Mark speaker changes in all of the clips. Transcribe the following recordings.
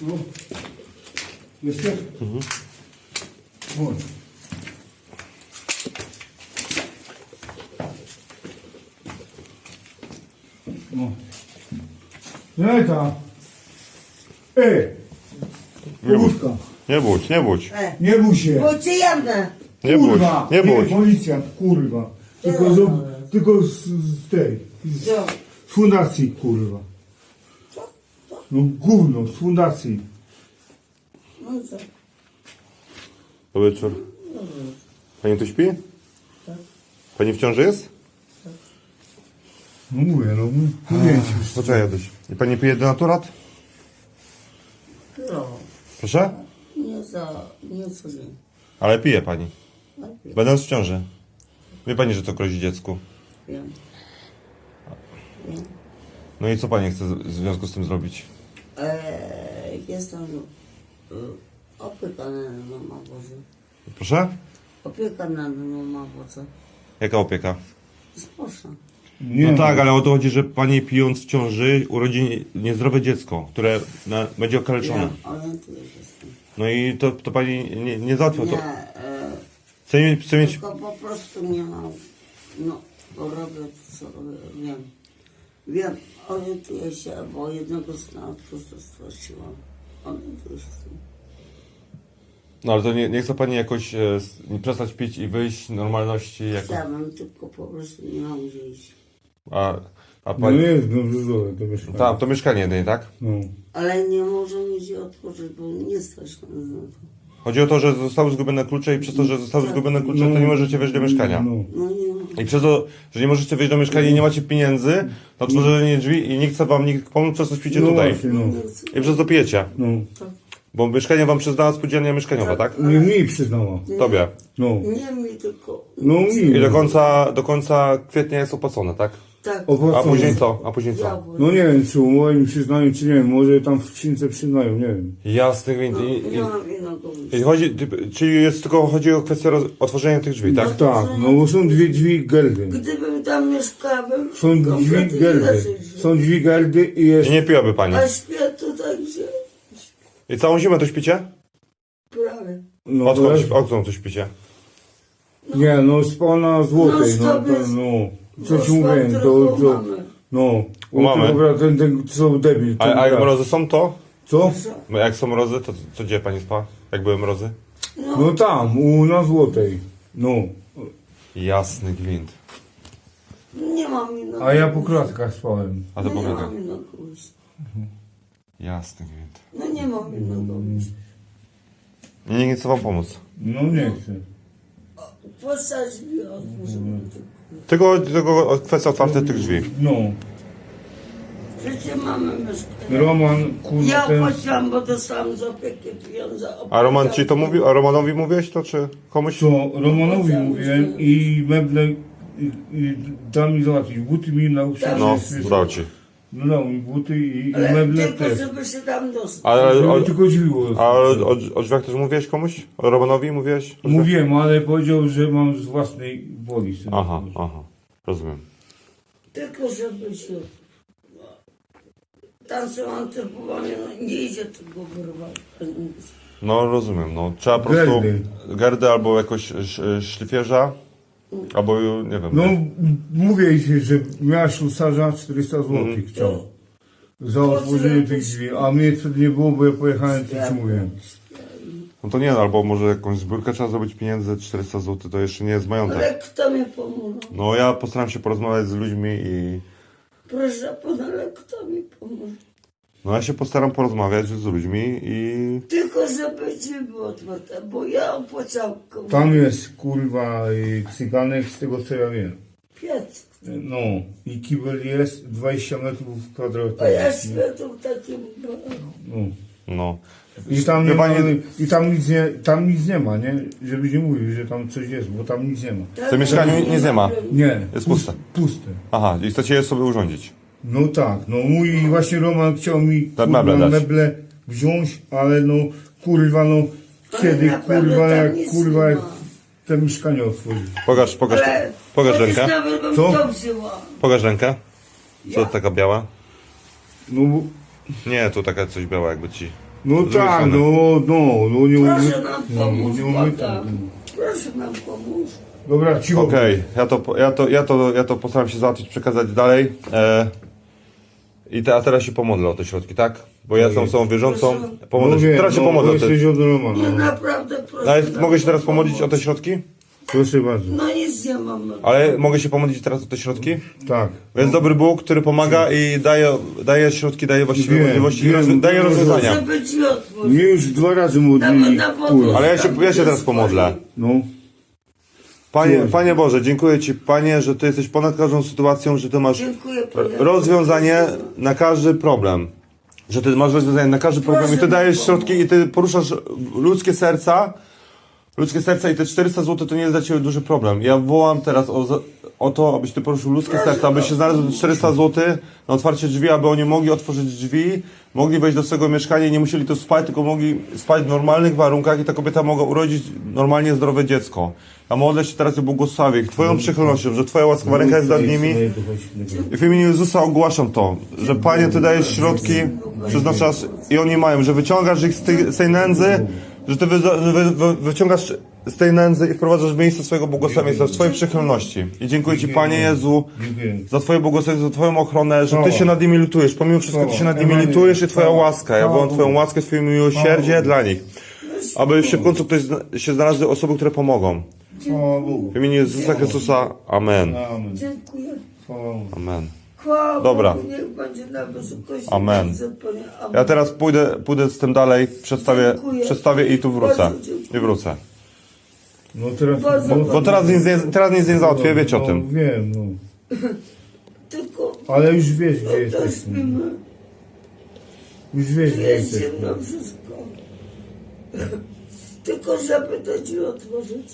Speaker 1: No. Jesteś? Chodź. No. Zeta. Połówka.
Speaker 2: Nie budź, nie budź.
Speaker 1: Nie bój się.
Speaker 3: Bo cię jawne.
Speaker 2: Nie budź,
Speaker 1: Kurwa.
Speaker 2: nie budź.
Speaker 1: Policjant, kurwa. Tylko z tej.
Speaker 3: Co?
Speaker 1: Z fundacji, kurwa. No gówno, z fundacji.
Speaker 3: No co?
Speaker 2: Dobry wieczór. Pani tu śpi? Pani w ciąży jest?
Speaker 1: No mówię, no mówię ci.
Speaker 2: Poczekaj, Jaduś. I pani pije denaturat?
Speaker 3: No.
Speaker 2: Proszę?
Speaker 3: Nie codziennie.
Speaker 2: Ale pije pani.
Speaker 3: Wiem.
Speaker 2: Będąc w ciąży. Wie pani, że to grozi dziecku.
Speaker 3: Wiem.
Speaker 2: No i co pani chce w związku z tym zrobić?
Speaker 3: Jestem opieka nad mną obozu.
Speaker 2: Proszę?
Speaker 3: Opieka nad mną obozu.
Speaker 2: Jaka opieka?
Speaker 3: Spójrz.
Speaker 1: Nie,
Speaker 2: No tak, ale o to chodzi, że pani pijąc w ciąży urodzi niezdrowe dziecko, które będzie okaleczone.
Speaker 3: Wiem, orientuję się z tym.
Speaker 2: No i to pani nie załatwia. To
Speaker 3: Nie,
Speaker 2: chce mieć...
Speaker 3: tylko po prostu nie mam. No, bo robię to, co robię. Wiem. Wiem, orientuję się, bo jednego syna od prostu straciłam. Orientuję się z tym.
Speaker 2: No ale to nie chce pani jakoś przestać pić i wyjść normalności jako...
Speaker 3: Chciałabym, tylko po prostu nie mam gdzie iść.
Speaker 2: A
Speaker 1: no
Speaker 2: pani...
Speaker 1: jest dobrze zdrowe to mieszkanie.
Speaker 2: Tam, to mieszkanie jedynie, tak?
Speaker 1: No.
Speaker 3: Ale nie może mi gdzie otworzyć, bo nie stać na to.
Speaker 2: Chodzi o to, że zostały zgubione klucze i przez to, że zostały zgubione klucze, to nie możecie wejść do mieszkania.
Speaker 1: No.
Speaker 3: No nie mam.
Speaker 2: I przez to, że nie możecie wejść do mieszkania i nie macie pieniędzy na otworzenie drzwi i nie chce wam nikt pomóc, przez to śpicie
Speaker 1: No
Speaker 2: tutaj.
Speaker 1: właśnie, no.
Speaker 3: Nie chcę.
Speaker 2: I przez to pijecie.
Speaker 1: No.
Speaker 2: Bo mieszkanie wam przyznała spółdzielnia mieszkaniowa, tak?
Speaker 1: Nie mi przyznała.
Speaker 2: Tobie.
Speaker 1: No.
Speaker 3: Nie mi tylko.
Speaker 1: No mi.
Speaker 2: I do końca kwietnia jest opłacone, tak?
Speaker 3: Tak.
Speaker 1: Opłacone.
Speaker 2: A później co? A później co?
Speaker 3: Diabły.
Speaker 1: No nie wiem, czy umowę mi przyznają, czy nie wiem. Może tam w skrzynce przyznają, nie wiem.
Speaker 2: Jasny gwint.
Speaker 3: Nie mam innego
Speaker 2: I chodzi, czyli jest tylko chodzi o kwestię otworzenia tych drzwi, tak?
Speaker 1: Tak, no bo są dwie drzwi geldy.
Speaker 3: Gdybym tam mieszkała, bym
Speaker 1: Są drzwi
Speaker 3: kompletnie
Speaker 1: geldy.
Speaker 3: inaczej żył.
Speaker 1: Są drzwi geldy i jest...
Speaker 2: I nie piłaby pani.
Speaker 3: A śpię tutaj gdzie?
Speaker 2: I całą zimę to śpicie?
Speaker 3: Prawie.
Speaker 1: No,
Speaker 2: Odkąd to śpicie?
Speaker 1: nie, no spała na złotej, no to, no. Co ci mówiłem, to, no.
Speaker 2: U mamy.
Speaker 1: Dobra, ten, co debil.
Speaker 2: A
Speaker 1: ten
Speaker 2: jak
Speaker 1: brat.
Speaker 2: mrozy są to?
Speaker 1: Co?
Speaker 2: Jak są mrozy, to co gdzie pani spała? Jak były mrozy?
Speaker 1: No tam, na złotej. No.
Speaker 2: Jasny gwint.
Speaker 3: Nie mam innego.
Speaker 1: A ja po kratkach spałem.
Speaker 2: A to
Speaker 3: No nie
Speaker 2: powiada.
Speaker 3: mam innego wyjścia.
Speaker 2: Jasny gwint.
Speaker 3: No nie mam innego wyjścia.
Speaker 2: I nikt nie chce wam pomóc.
Speaker 1: No nie chcę.
Speaker 3: Posadź mi otworzymy
Speaker 2: Tylko kwestia otwarcia tych drzwi.
Speaker 1: No.
Speaker 3: Przecież mamy mieszkanie.
Speaker 1: Roman, kurwa,
Speaker 3: Ja
Speaker 1: ten...
Speaker 3: opłaciłam, bo dostałam z opieki pieniądze.
Speaker 2: A Roman ci to mówił? A Romanowi mówiłeś to, czy komuś?
Speaker 1: Co, Romanowi mówiłem i meble i dał mi załatwić. Buty mi nauczył.
Speaker 2: No,
Speaker 1: że jest-
Speaker 2: dał ci.
Speaker 1: No dał mi buty i
Speaker 3: Ale
Speaker 1: meble
Speaker 3: tylko,
Speaker 1: też.
Speaker 3: żeby się tam dostać.
Speaker 2: Ale
Speaker 1: Żeby tylko drzwi było.
Speaker 2: a o drzwiach też mówiłeś komuś? O Romanowi mówiłeś? O drzwiach?
Speaker 1: Mówiłem, ale powiedział, że mam z własnej woli sobie.
Speaker 2: Aha, aha. Rozumiem.
Speaker 3: Tylko żeby się... Tam są antypowanie, no nie idzie tego wyrwać.
Speaker 2: No rozumiem, no. Trzeba po prostu
Speaker 1: Gerdy.
Speaker 2: gerdę albo jakoś szlifierza, albo nie wiem.
Speaker 1: No mówię ci, że miała ślusarza 400 zł chciał. Za otworzenie tych drzwi, a mnie co nie było, bo ja pojechałem, co ci mówiłem.
Speaker 2: No to nie, albo może jakąś zbiórkę trzeba zrobić pieniędzy, 400 zł to jeszcze nie jest majątek.
Speaker 3: Ale kto mi pomoże?
Speaker 2: No ja postaram się porozmawiać z ludźmi i...
Speaker 3: Proszę pana, ale kto mi pomoże?
Speaker 2: No ja się postaram porozmawiać z ludźmi i...
Speaker 3: Tylko żeby drzwi były otwarte, bo ja opłacałam komuś
Speaker 1: Tam jest kurwa cyganek z tego co ja wiem.
Speaker 3: piec.
Speaker 1: No i kibel jest 20 metrów kwadratowych.
Speaker 3: A ja śpię tu w takim...
Speaker 1: No.
Speaker 2: No.
Speaker 1: I tam, nie
Speaker 2: Wie
Speaker 1: ma,
Speaker 2: pani-
Speaker 1: I tam nic nie ma, nie? Żebyś nie mówił, że tam coś jest, bo tam nic nie ma.
Speaker 2: W tym mieszkaniu nic nie ma.
Speaker 1: Nie.
Speaker 2: Jest puste.
Speaker 1: Puste.
Speaker 2: Aha, i chcecie je sobie urządzić.
Speaker 1: No tak, no mój właśnie Roman chciał mi kurwa,
Speaker 2: meble dać.
Speaker 1: meble wziąć, ale no kurwa no kiedy
Speaker 3: naprawdę
Speaker 1: kurwa
Speaker 3: tam
Speaker 1: jak
Speaker 3: nic
Speaker 1: kurwa
Speaker 3: nie
Speaker 1: jak
Speaker 3: ma.
Speaker 1: te mieszkanie otworzyć.
Speaker 2: Pokaż
Speaker 3: chociaż
Speaker 2: rękę.
Speaker 3: nawet bym
Speaker 1: Co?
Speaker 3: to wzięła.
Speaker 2: Pokaż rękę. Co to taka biała?
Speaker 1: No bo
Speaker 2: Nie, tu taka coś biała jakby ci.
Speaker 1: No
Speaker 2: drugiej
Speaker 1: tak,
Speaker 2: strony.
Speaker 1: no nie umie.
Speaker 3: Proszę nam pomóc,
Speaker 1: nie umie
Speaker 3: błagam.
Speaker 1: tak.
Speaker 3: Proszę nam pomóc.
Speaker 1: Dobra, cicho.
Speaker 2: Okej, ja to postaram się załatwić, przekazać dalej. A teraz się pomodlę o te środki, tak? Bo ja jestem osobą wierzącą. Pomodlę się.
Speaker 1: wiem,
Speaker 2: Teraz się pomodlę o te...
Speaker 1: Jesteś od Romana.
Speaker 3: Nie, naprawdę proszę.
Speaker 2: Ale
Speaker 3: nam
Speaker 2: mogę się teraz
Speaker 3: pomóc.
Speaker 2: pomodlić o te środki?
Speaker 1: Proszę bardzo.
Speaker 3: No nic nie mam.
Speaker 2: Ale mogę się pomodlić teraz o te środki?
Speaker 1: Tak.
Speaker 2: Bo jest dobry Bóg, który pomaga i daje środki, daje właściwe
Speaker 1: Wiem,
Speaker 2: możliwości i
Speaker 1: wiem,
Speaker 2: daje
Speaker 1: wiem.
Speaker 2: rozwiązania.
Speaker 3: Żeby ci otworzyć.
Speaker 1: Mnie już 2 razy modlili.
Speaker 3: Na
Speaker 1: Kurwa.
Speaker 2: Ale ja się teraz pomodlę.
Speaker 1: No.
Speaker 2: Panie Boże, dziękuję Ci, Panie, że Ty jesteś ponad każdą sytuacją, że Ty masz
Speaker 3: Dziękuję, Panie.
Speaker 2: rozwiązanie na każdy problem. Że Ty masz rozwiązanie na każdy problem i Ty dajesz środki i Ty poruszasz ludzkie serca i te 400 zł to nie jest dla Ciebie duży problem. Ja wołam teraz o to, abyś Ty poruszył ludzkie serca, aby się znalazło 400 zł na otwarcie drzwi, aby oni mogli otworzyć drzwi, mogli wejść do swojego mieszkania i nie musieli tu spać, tylko mogli spać w normalnych warunkach i ta kobieta mogła urodzić normalnie zdrowe dziecko. A modlę się teraz o błogosławie Twoją przychylnością, że Twoja łaskawa ręka jest nad nimi. I w imieniu Jezusa ogłaszam to, że Panie, Ty dajesz środki, przeznaczasz i oni mają, że wyciągasz ich z tej nędzy, że Ty wyciągasz z tej nędzy i wprowadzasz w miejsce swojego błogosławieństwa, w Twojej przychylności. I dziękuję Ci, Panie Jezu,
Speaker 1: Dziękuję.
Speaker 2: za Twoje błogosławieństwo, za Twoją ochronę, że Ty się nad nimi litujesz. Pomimo wszystko Ty się nad nimi litujesz i Twoja łaska. Ja wołam Twoją łaskę, Twoje miłosierdzie dla nich. Aby się w końcu się znalazły osoby, które pomogą.
Speaker 1: Chwała Bogu.
Speaker 2: W imieniu Jezusa Chrystusa. Amen.
Speaker 1: Amen.
Speaker 3: Dziękuję.
Speaker 1: Chwała Bogu.
Speaker 2: Amen.
Speaker 3: Chwała
Speaker 2: Dobra.
Speaker 3: Bogu, niech będzie na wysokości.
Speaker 2: Amen.
Speaker 3: Bardzo, Panie. Amen.
Speaker 2: Ja teraz pójdę z tym dalej, przedstawię i tu wrócę.
Speaker 3: Bardzo dziękuję.
Speaker 2: I wrócę.
Speaker 1: No teraz...
Speaker 3: Bardzo
Speaker 2: Bo teraz nic nie załatwię, wiecie o
Speaker 1: No,
Speaker 2: tym.
Speaker 1: wiem, no.
Speaker 3: Tylko
Speaker 1: Ale już wiesz, gdzie
Speaker 3: to
Speaker 1: jesteśmy.
Speaker 3: śpimy.
Speaker 1: Już wiesz,
Speaker 3: Tu
Speaker 1: gdzie
Speaker 3: jest
Speaker 1: jesteśmy.
Speaker 3: ciemno wszystko. Tylko żeby to ci otworzyć.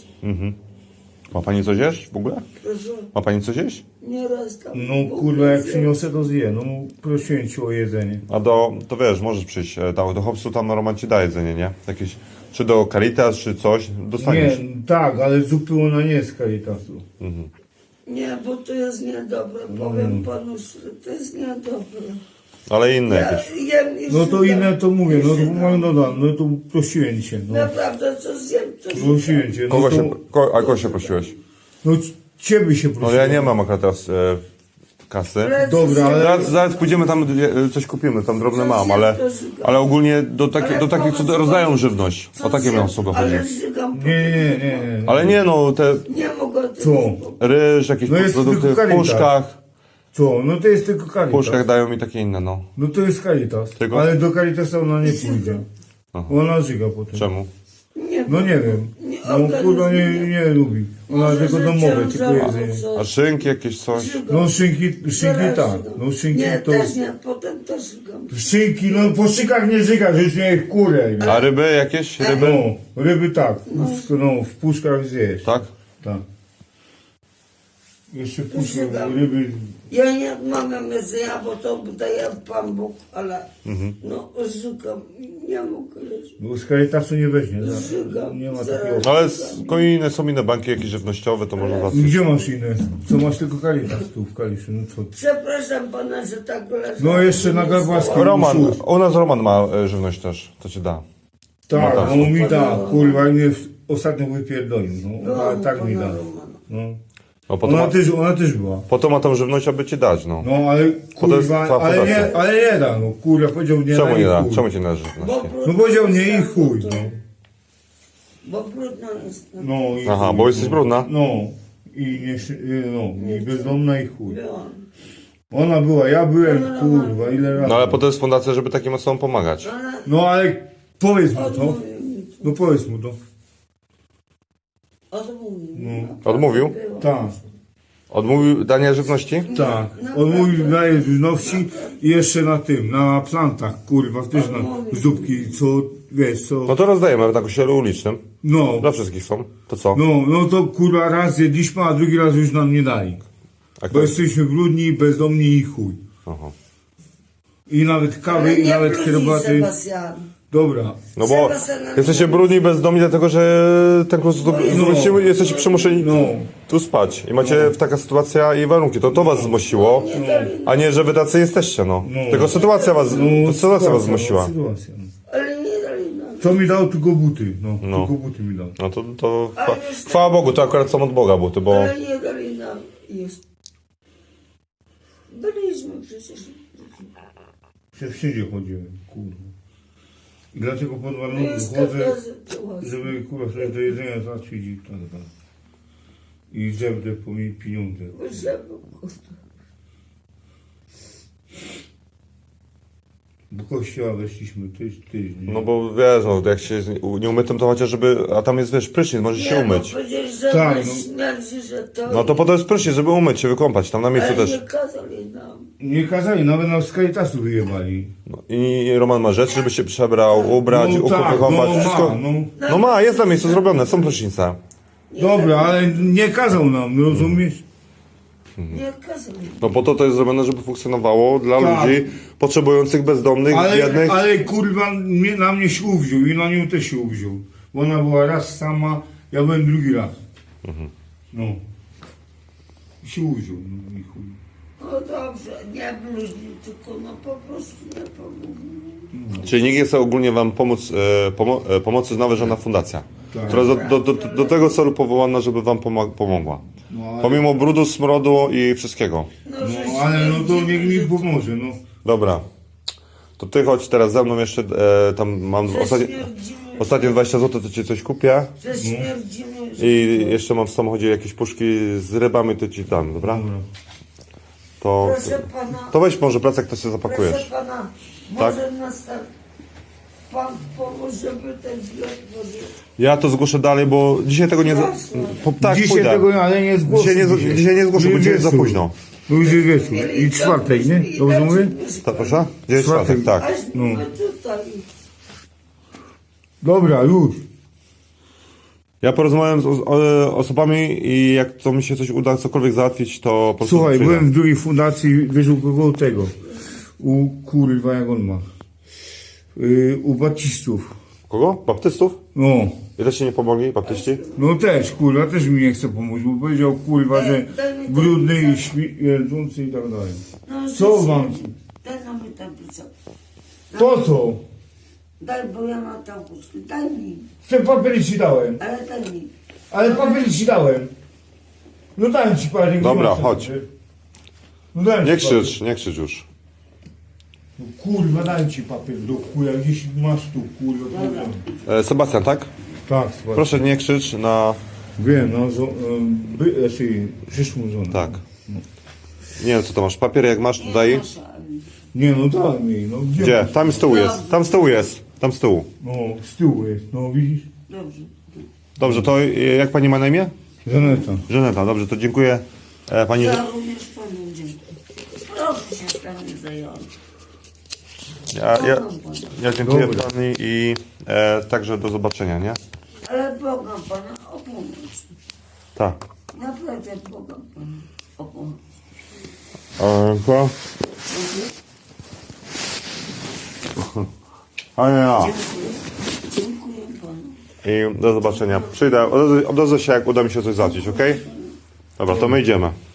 Speaker 2: Ma pani coś jeść w ogóle?
Speaker 3: Proszę,
Speaker 2: Ma pani coś jeść?
Speaker 3: nie raz tam.
Speaker 1: No kurwa, jak przyniosę, to zje. No prosiłem cię o jedzenie.
Speaker 2: A to wiesz, możesz przyjść do Hopsu, tam Roman ci da jedzenie, nie? Jakieś, czy do Caritas, czy coś, dostaniesz.
Speaker 1: Nie, tak, ale zupy ona nie jest z Caritasu.
Speaker 3: Nie, bo to jest niedobre. Powiem panu, szczerze, to jest niedobre.
Speaker 2: Ale inne
Speaker 3: Ja
Speaker 2: jakieś.
Speaker 3: jem i
Speaker 1: No to
Speaker 3: żygam.
Speaker 1: inne to mówię, no
Speaker 3: I
Speaker 1: to
Speaker 3: żygam.
Speaker 1: no to prosiłem cię, no.
Speaker 3: Naprawdę, co zjem, to
Speaker 1: Prosiłem cię, no
Speaker 2: Kogo się prosiłeś?
Speaker 1: no ciebie się
Speaker 2: No
Speaker 1: prosiłem.
Speaker 2: ja nie mam akurat teraz kasy.
Speaker 1: Dobra, ale...
Speaker 2: Zaraz pójdziemy tam, coś kupimy, tam drobne mam, ale ogólnie do takich, co rozdają żywność. O takie miałem osoby chodzi.
Speaker 3: Ale żygam.
Speaker 1: Nie.
Speaker 2: Ale nie no, te
Speaker 3: Nie mogę tego
Speaker 1: Co?
Speaker 2: ryż, jakieś
Speaker 1: No jest
Speaker 2: produkty
Speaker 1: tylko
Speaker 2: w
Speaker 1: Caritas.
Speaker 2: puszkach.
Speaker 1: Co? No to jest tylko
Speaker 2: W
Speaker 1: Caritas.
Speaker 2: puszkach dają mi takie inne, no.
Speaker 1: No to jest Caritas.
Speaker 2: Tylko?
Speaker 1: Ale do Caritasa ona nie pójdzie. Ona żyga potem.
Speaker 2: Czemu?
Speaker 3: Nie,
Speaker 1: No nie wiem.
Speaker 3: Nie,
Speaker 1: No kurwa nie lubi. Ona
Speaker 3: Może,
Speaker 1: tylko
Speaker 3: że
Speaker 1: domowe,
Speaker 3: ciężar
Speaker 1: tylko
Speaker 3: albo
Speaker 1: jedzenie.
Speaker 3: coś.
Speaker 2: A szynki jakieś coś?
Speaker 3: Żygam.
Speaker 1: No szynki tak. No szynki
Speaker 3: Nie,
Speaker 1: to...
Speaker 3: też nie, potem też żygam.
Speaker 1: Szynki, no po szykach nie żygasz, już nie w kurę.
Speaker 2: A ryby jakieś? Ryby?
Speaker 1: No, ryby tak. No, w puszkach zjesz.
Speaker 2: Tak?
Speaker 1: Tak. Jeszcze puszka,
Speaker 3: Żygam.
Speaker 1: ryby...
Speaker 3: Ja nie odmawiam jedzenia, bo to daje Pan Bóg, ale no żygam. Nie mogę jeść.
Speaker 1: Bo z Caritasu nie weźmie.
Speaker 3: Żygam.
Speaker 1: Nie ma
Speaker 3: Zaraz.
Speaker 1: takiego...
Speaker 2: Ale są inne banki jakieś żywnościowe, to można załatwić.
Speaker 1: Gdzie masz inne? Co masz tylko Caritas tu w Kaliszu? No co?
Speaker 3: Przepraszam Pana, że tak leżę.
Speaker 1: No jeszcze na Garbarskim.
Speaker 2: U nas Roman ma żywność też, to ci da.
Speaker 1: Tak,
Speaker 2: No tak.
Speaker 1: on mi da, kurwa, i mnie ostatnio wypierdolił, no,
Speaker 3: No,
Speaker 1: tak mi
Speaker 3: Pana
Speaker 1: da.
Speaker 3: Romana.
Speaker 1: No.
Speaker 2: No po to
Speaker 1: Ona też była.
Speaker 2: po to ma tą żywność, aby ci dać, no.
Speaker 1: No ale
Speaker 2: jest
Speaker 1: kurwa,
Speaker 2: cała fundacja.
Speaker 1: ale nie da, no kurwa, powiedział nie
Speaker 2: Czemu
Speaker 1: da
Speaker 2: nie
Speaker 1: i
Speaker 2: da?
Speaker 1: chuj.
Speaker 2: Czemu ci nie da
Speaker 3: Bo
Speaker 2: żywności?
Speaker 3: brudno
Speaker 1: No powiedział nie
Speaker 3: jest,
Speaker 1: i chuj,
Speaker 3: to-
Speaker 1: no.
Speaker 3: Bo brudno jest. No.
Speaker 1: No i
Speaker 2: Aha,
Speaker 1: chuj,
Speaker 2: bo jesteś
Speaker 1: no.
Speaker 2: brudna?
Speaker 1: No. I bezdomna i chuj.
Speaker 3: Byłam.
Speaker 1: Ona była, ja byłem, kurwa, ile razy.
Speaker 2: No ale po to jest fundacja, żeby takim osobom pomagać.
Speaker 3: Ale
Speaker 1: No ale powiedz mu to.
Speaker 3: odmówił mi to.
Speaker 1: No powiedz mu to.
Speaker 3: Odmówił mi.
Speaker 1: No.
Speaker 3: Naprawdę
Speaker 2: Odmówił?
Speaker 3: było.
Speaker 1: Tak,
Speaker 2: Odmówił dania żywności?
Speaker 1: tak. On mówił, daje żywności i jeszcze na tym, na plantach, kurwa, też na zupki, co, wiesz, co.
Speaker 2: No to rozdajemy na kościele ulicznym.
Speaker 1: No,
Speaker 2: Dla wszystkich są. To co?
Speaker 1: no to kurwa raz jedliśmy, a drugi raz już nam nie dali.
Speaker 2: A
Speaker 1: Bo
Speaker 2: kto?
Speaker 1: jesteśmy brudni, bezdomni i chuj.
Speaker 2: Aha.
Speaker 1: I nawet kawy,
Speaker 3: Ale
Speaker 1: i
Speaker 3: nie
Speaker 1: nawet
Speaker 3: brudzi,
Speaker 1: herbaty.
Speaker 3: Sebastian.
Speaker 1: Dobra.
Speaker 2: No bo jesteście brudni, bezdomni, dlatego że ten kurs jesteście przymuszeni
Speaker 1: No.
Speaker 2: tu spać. I macie taka sytuacja i warunki. To was zmusiło, a nie, że wy tacy jesteście, no. Tylko sytuacja was zmusiła.
Speaker 1: Sytuacja. No.
Speaker 3: Ale nie
Speaker 1: Co mi dał? Tylko buty. No,
Speaker 2: No.
Speaker 1: tylko buty mi dał.
Speaker 2: No to
Speaker 3: Ale jest
Speaker 2: chwała Bogu, to akurat są od Boga buty, bo...
Speaker 3: Ale nie dali nam jest. Byliśmy przecież.
Speaker 1: Się wszędzie chodziłem, kurwa. I dlatego pod
Speaker 3: No
Speaker 1: warunkiem
Speaker 3: jest
Speaker 1: chodzę,
Speaker 3: taka sytuacja.
Speaker 1: żeby kurwa coś do jedzenia załatwić i tak dalej. I żebdę po mi pieniądze.
Speaker 3: Żeby, kurde.
Speaker 1: Do kościoła weszliśmy tydzień.
Speaker 2: No bo wiesz, no, jak się nie umytym, to chociaż żeby... A tam jest, wiesz, prysznic, możesz się
Speaker 3: Nie, bo
Speaker 2: umyć.
Speaker 3: powiedzieli, że
Speaker 1: Tak,
Speaker 3: tak,
Speaker 1: no.
Speaker 3: śmierdzi, że to...
Speaker 2: No to po to jest prysznic, żeby umyć się, wykąpać, tam na miejscu
Speaker 3: Ale
Speaker 2: też.
Speaker 3: nie kazali nam.
Speaker 1: Nie kazali, nawet nas z Caritasu wyjebali.
Speaker 2: No, I Roman ma rzeczy, żeby się przebrał, ubrać,
Speaker 1: tak,
Speaker 2: wykąpać, wszystko...
Speaker 1: ma, no.
Speaker 2: No ma, jest na miejscu zrobione, są prysznice.
Speaker 1: Dobra, ale nie kazał nam, rozumiesz?
Speaker 3: Nie kazali.
Speaker 2: No po to jest zrobione, żeby funkcjonowało dla
Speaker 1: Tak.
Speaker 2: ludzi potrzebujących, bezdomnych, biednych.
Speaker 1: Ale kurwa na mnie się uwziął i na nią też się uwziął. Bo ona była raz sama, ja byłem drugi raz. No. I się uwziął, no i chuj.
Speaker 3: No dobrze, nie bluźni, tylko no po prostu nie pomógł.
Speaker 2: Czyli nikt nie chce ogólnie wam pomóc, pomocy nowa żadna fundacja,
Speaker 1: Tak.
Speaker 2: która jest do tego celu powołana, żeby wam pomogła.
Speaker 1: No, ale,
Speaker 2: Pomimo brudu, smrodu i wszystkiego.
Speaker 1: no, ale no to niech mi pomoże, no.
Speaker 2: Dobra. To ty chodź teraz ze mną jeszcze, tam mam ostatnie 20 zł, to ci coś kupię.
Speaker 3: Że śmierdzimy, że
Speaker 2: I jeszcze mam w samochodzie jakieś puszki z rybami, to ci dam, dobra?
Speaker 1: Dobra.
Speaker 2: To,
Speaker 3: proszę pana,
Speaker 2: to weź może plecak, to się
Speaker 3: proszę
Speaker 2: zapakujesz.
Speaker 3: pana,
Speaker 2: Tak?
Speaker 3: może nas tak pan pomóż, żeby ten zbiór włożyć.
Speaker 2: Ja to zgłoszę dalej, bo dzisiaj tego nie... Tak,
Speaker 1: Dzisiaj
Speaker 2: pójdę.
Speaker 1: tego, ale nie zgłoszę.
Speaker 2: Dzisiaj nie zgłoszę, bo dzisiaj jest za
Speaker 1: wieczór.
Speaker 2: późno.
Speaker 1: No już jest wieczór. I czwartek, nie? Dobrze mówię?
Speaker 2: Tak, proszę? Gdzie jest czwartek, tak.
Speaker 3: Aż my tutaj.
Speaker 1: Dobra, już.
Speaker 2: Ja porozmawiam z osobami i jak to mi się coś uda, cokolwiek załatwić, to po prostu
Speaker 1: Słuchaj,
Speaker 2: przyjdę.
Speaker 1: byłem w drugiej fundacji, wiesz u kogo tego? U kurwa, jak on ma? U baptistów.
Speaker 2: Kogo? Baptystów?
Speaker 1: No.
Speaker 2: I też ci nie pomogli, baptyści?
Speaker 1: No też, kurwa, też mi nie chce pomóc, bo powiedział, kurwa, że
Speaker 3: Daj mi
Speaker 1: brudny i
Speaker 3: tablicę.
Speaker 1: śmierdzący i tak dalej.
Speaker 3: No,
Speaker 1: Co
Speaker 3: że-
Speaker 1: wam?
Speaker 3: Daj nam tablicę.
Speaker 1: Po co?
Speaker 3: Daj, bo ja mam tam puszki. Daj mi.
Speaker 1: Te papiery ci dałem.
Speaker 3: Ale daj mi.
Speaker 1: Ale papiery ci dałem. No dałem ci parę.
Speaker 2: Dobra,
Speaker 1: gdzie masz
Speaker 2: chodź.
Speaker 1: papier? No dałem
Speaker 2: Nie
Speaker 1: ci papier.
Speaker 2: krzycz, nie krzycz już.
Speaker 1: No, kurwa, dałem ci papier do chuja, gdzieś masz tu, kurwa.
Speaker 3: Dobra.
Speaker 2: Sebastian, tak?
Speaker 1: Tak, słuchaj.
Speaker 2: Proszę nie krzycz na...
Speaker 1: Wiem, no, przyszłą żonę.
Speaker 2: Tak. Nie wiem, co to masz. Papier jak masz, to daj.
Speaker 1: Nie, no daj mi, no
Speaker 2: Gdzie?
Speaker 1: masz?
Speaker 2: Tam z tyłu jest. Tam z tyłu jest. Tam z tyłu.
Speaker 1: No, z tyłu jest, no widzisz?
Speaker 3: Dobrze.
Speaker 2: Dobrze, to jak pani ma na imię?
Speaker 1: Żaneta.
Speaker 2: Żaneta, dobrze, to dziękuję pani.
Speaker 3: Ja również panu dziękuję. Proszę się stanie zająć.
Speaker 2: Ja dziękuję
Speaker 1: Dobra.
Speaker 2: pani i także do zobaczenia, nie?
Speaker 3: Ale błagam pana o pomoc.
Speaker 2: Tak.
Speaker 3: Naprawdę błagam pana o pomoc.
Speaker 2: A nie, ja.
Speaker 3: Dziękuję. Dziękuję panu.
Speaker 2: I do zobaczenia. Przyjdę, odezwę się, jak uda mi się coś załatwić, okej? Dobra, to my idziemy.